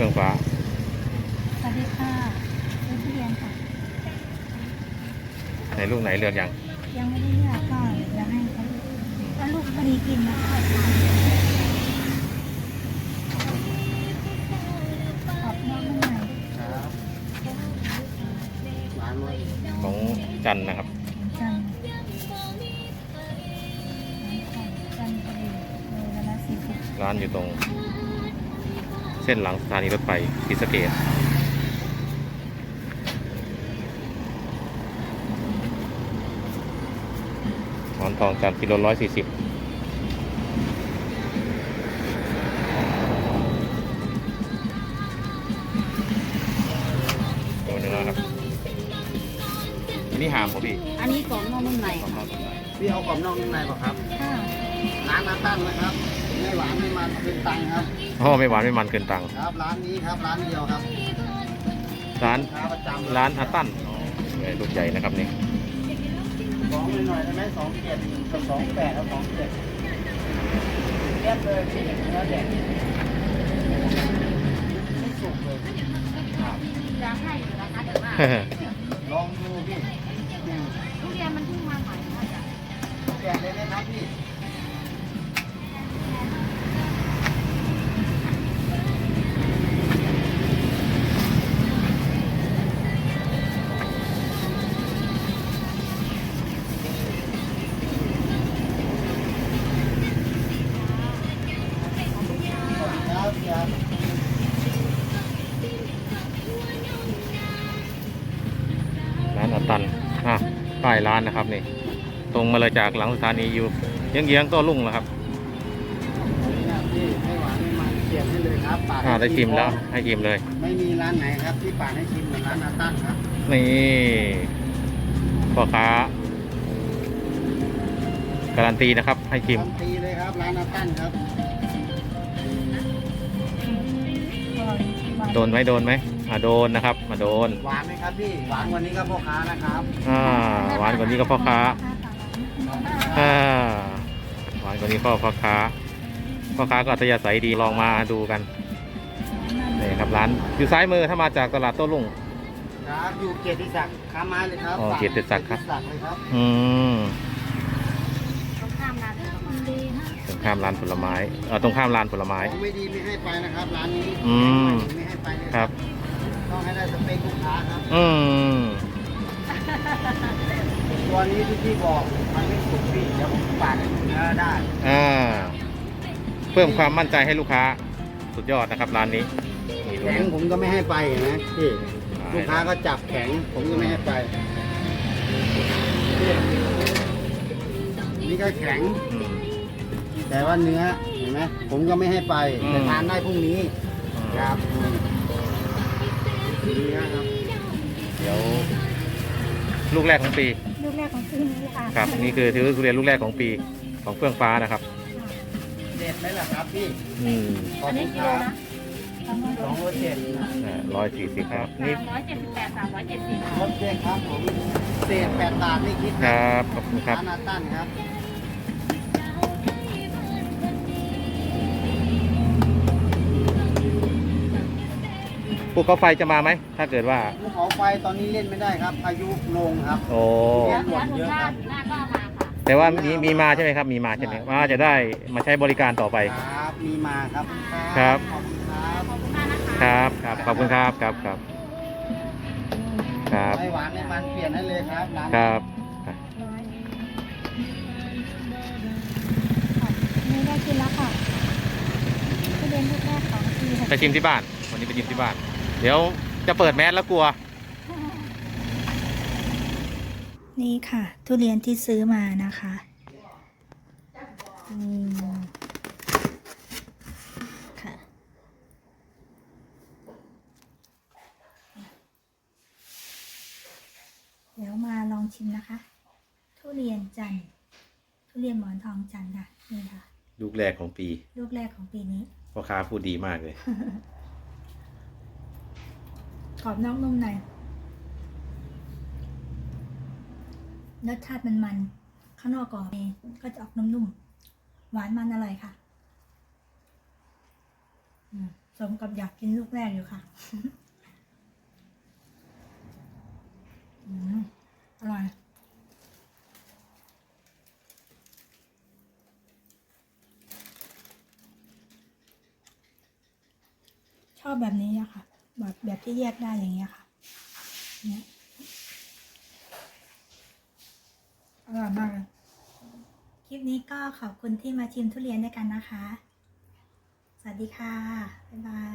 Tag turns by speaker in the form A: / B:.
A: ฟื่องฟ้า
B: สวัสดีค่ะซื้อทุเรียนค่ะ
A: ไหนลูกไหนเลือกยัง
B: ยังไม่ได้เลือกก็เดี๋ยวให้เขาถ้าลูกพอดีกินนะคะขอบน้องหน่อย
A: ของจันนะครับ
B: จันจันทบุรีเวลา40
A: ร้านอยู่ตรงเส้นหลังสถานีรถไฟศรีสะเกษหมอนทองจันกิโล140ตัวเนื้อครับอันนี้หามผมพี่
B: อันนี้กรอบนอกนุ่มใน
C: พี่เอากรอบนอกนุ่มในป่ะครับ
B: ค่ะ
C: ร้านอาตั้งนะครับไม่หวานไม่มันเกินตังครับ
A: อ๋อไม่หวานไม่มันเกินตัง
C: ครับร้านนี้ครับร้านเดียวครับ
A: ร้าน
C: ประจำ
A: ร้านอาตั้นลูกใหญ่นะครับนี่
C: 2หน่อยได้ไหม27กับ28แล้ว27เรียบเลยที่เนื้อแดงไม่สุกเลยครับ
B: จะให้อยู่นะคะเดี๋ยวว่า
C: ลองดูพี่
B: ทุเรียนมันเพิ่งมาใหม่ค่ะจ้ะ
C: แกะเลยนะครับพี่
A: ร้านอาตันป้ายร้านนะครับนี่ตรงมาเลยจากหลังสถานีอยู่เยื้องๆก็ลุ่งแล้วครับ
C: พี่ไม่หวานไม่มันเขียนให้เลยครับปาด
A: ได้ชิมแล้วให้ชิมเลย
C: ไม่มีร้านไหนครับที่ปาดให้ชิมเหมือนร้านอาตั้นครับ
A: นี่พ่อค้าการันตีนะครับให้ชิม
C: การันตีเลยครับร้านอาตั้นครับ
A: โดนไหมโดนไหมโดนนะครับมาโดน
C: หวานไหมครับพี่หวานกว่านี้ก็พ่อค้านะครับ
A: หวานกว่านี้ก็พ่อค้าหวานกว่านี้พ่อค้าก็อัธยาศัยดีลองมาดูกันนี่ครับร้านอยู่ซ้ายมือถ้ามาจากตลาดโต้รุ่ง
C: ครับอยู่เกียรติศักดิ์ค้าไม้เลยครับ
A: เกียรติศักดิ์ครับ
C: เลยครับ
B: ตรงข้ามร้านผลไม้
A: ตรงข้ามร้านผลไม้ตรงข้ามร้านผลไม้
C: ไม่ดีไม่ให้ไปนะครับร้านนี้ไม่ให้ไปเลย
A: ครับ
C: ต้องให้ได้สเปคลูกค้าครับตัวนี้ที่พี่บอกมันไม่สุกพี่เดี๋ยวผมปาดเนื้อได้
A: เพิ่มความมั่นใจให้ลูกค้าสุดยอดนะครับร้านนี้
C: แข็งผมก็ไม่ให้ไปนะพี่ลูกค้าก็จับแข็งผมก็ไม่ให้ไปนี่ก็แข็งแต่ว่าเนื้อเห็นไหมผมก็ไม่ให้ไปแต่ทานได้พรุ่งนี้ครับเนื้อครับ
A: เดี๋ยวลูกแรกของปี
B: ลูกแรกของปีนี้ค่ะ
A: ครับนี่คือทุเรียนลูกแรกของปีของเฟื่องฟ้านะครับ
C: เด็ดไหมล่ะครับพี่
B: อันนี้กิโลนะ
A: 207 140ครับนี่
B: 378 370
C: รถเจ๊ครับผมเศษ8 บาทไม่คิด
A: ครับขอบคุณครับ
C: ร้านอาตั้นครับ
A: ภูเขาไฟจะมาไหมถ้าเกิดว่า
C: ภูเขาไฟตอนนี้เล่นไม่ได้ครับพายุลงครับ
A: โอ้
B: หมดเยอะครับ
A: แต่ว่ามีมาใช่ไหมครับมีมาใช่ไหมว่าจะได้มาใช้บริการต่อไป
C: ครับมีมาครับ
A: ครับ
C: ครับ
A: ขอบคุณครับครับ
C: ไม่หวานไม่มันเปลี่ยนให้เลยครับ
A: ครับ
B: นี่ได้กินแล้วค่ะทุเรียนลูกแรกของปี
A: ไปชิมที่บ้านวันนี้ไปชิมที่บ้านเดี๋ยวจะเปิดแมสแล้วกลัว
B: นี่ค่ะทุเรียนที่ซื้อมานะคะค่ะเดี๋ยวมาลองชิมนะคะทุเรียนจันทร์ทุเรียนหมอนทองจันทร์ค่ะนี่ค่ะ
A: ลูกแรกของปี
B: ลูกแรกของปีนี้
A: พ่อค้าพูดดีมากเลย
B: กรอบนอกนุ่มในรสชาติมันข้างนอกกรอบก็จะออกนุ่มๆหวานมันอร่อยค่ะสมกับอยากกินลูกแรกอยู่ค่ะ อร่อย ชอบแบบนี้อะค่ะ แบบที่แยกได้อย่างเงี้ยค่ะ เนี่ยอร่อยมากเลย คลิปนี้ก็ขอบคุณที่มาชิมทุเรียนด้วยกันนะคะ สวัสดีค่ะ บ๊ายบาย